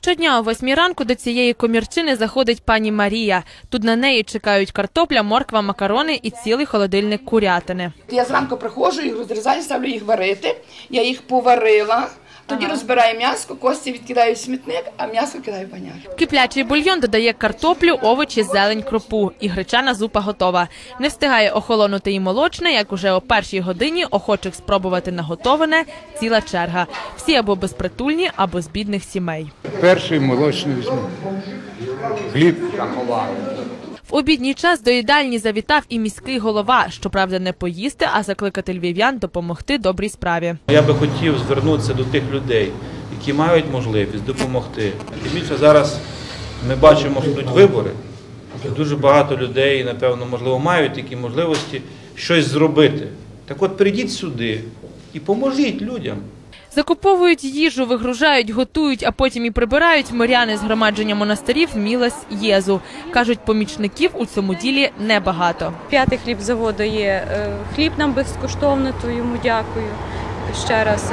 Щодня о 8 ранку до цієї комірчини заходить пані Марія. Тут на неї чекають картопля, морква, макарони і цілий холодильник курятини. Я зранку приходжу, їх розрізаю, ставлю їх варити. Я їх поварила, тоді розбираю м'ясо, кості відкидаю в смітник, а м'ясо кидаю в баняк. В киплячий бульйон додає картоплю, овочі, зелень, кропу. І гречана зупа готова. Не встигає охолонути і молочне, як уже о 1-й годині охочих спробувати наготоване ціла черга. Всі або безпритульні, або з бідних сімей. Перший молочний візьму. Хліб. В обідній час до їдальні завітав і міський голова. Щоправда, не поїсти, а закликати львів'ян допомогти добрій справі. Я би хотів звернутися до тих людей, які мають можливість допомогти. Тим більше зараз ми бачимо, що йдуть вибори. Дуже багато людей, напевно, можливо, мають такі можливості щось зробити. Так от прийдіть сюди і поможіть людям. Закуповують їжу, вигружають, готують, а потім і прибирають миряни з громадження монастирів Мілась-Єзу. Кажуть, помічників у цьому ділі небагато. 5-й хлібзавод дає хліб нам безкоштовно, то йому дякую ще раз.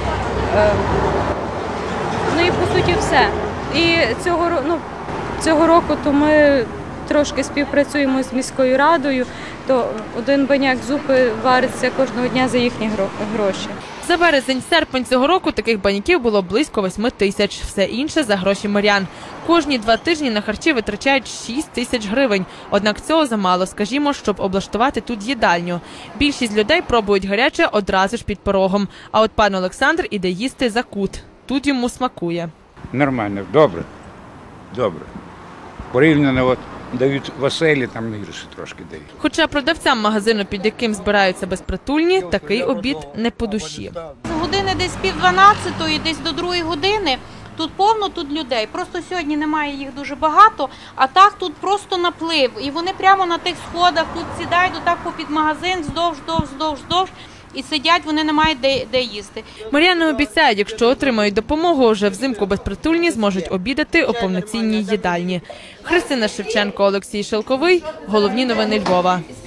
І по суті все. І цього року то ми трошки співпрацюємо з міською радою, то один баняк зупи вариться кожного дня за їхні гроші. За березень-серпень цього року таких баняків було близько 8 тисяч. Все інше за гроші мирян. Кожні 2 тижні на харчі витрачають 6 тисяч гривень. Однак цього замало, скажімо, щоб облаштувати тут їдальню. Більшість людей пробують гаряче одразу ж під порогом. А от пан Олександр іде їсти за кут. Тут йому смакує. Нормально, добре. Добре. Порівняно дають в оселі, там гірше трошки дають. Хоча продавцям магазину, під яким збираються безпритульні, такий обід не по душі. З години десь 11:30, десь до 2 години. Тут повно, тут людей. Просто сьогодні немає їх дуже багато, а так тут просто наплив. І вони прямо на тих сходах тут сідають отак попід магазин, вздовж. І сидять, вони не мають де їсти. Миряни обіцяють, якщо отримають допомогу, вже взимку безпритульні зможуть обідати у повноцінній їдальні. Христина Шевченко, Олексій Шелковий. Головні новини Львова.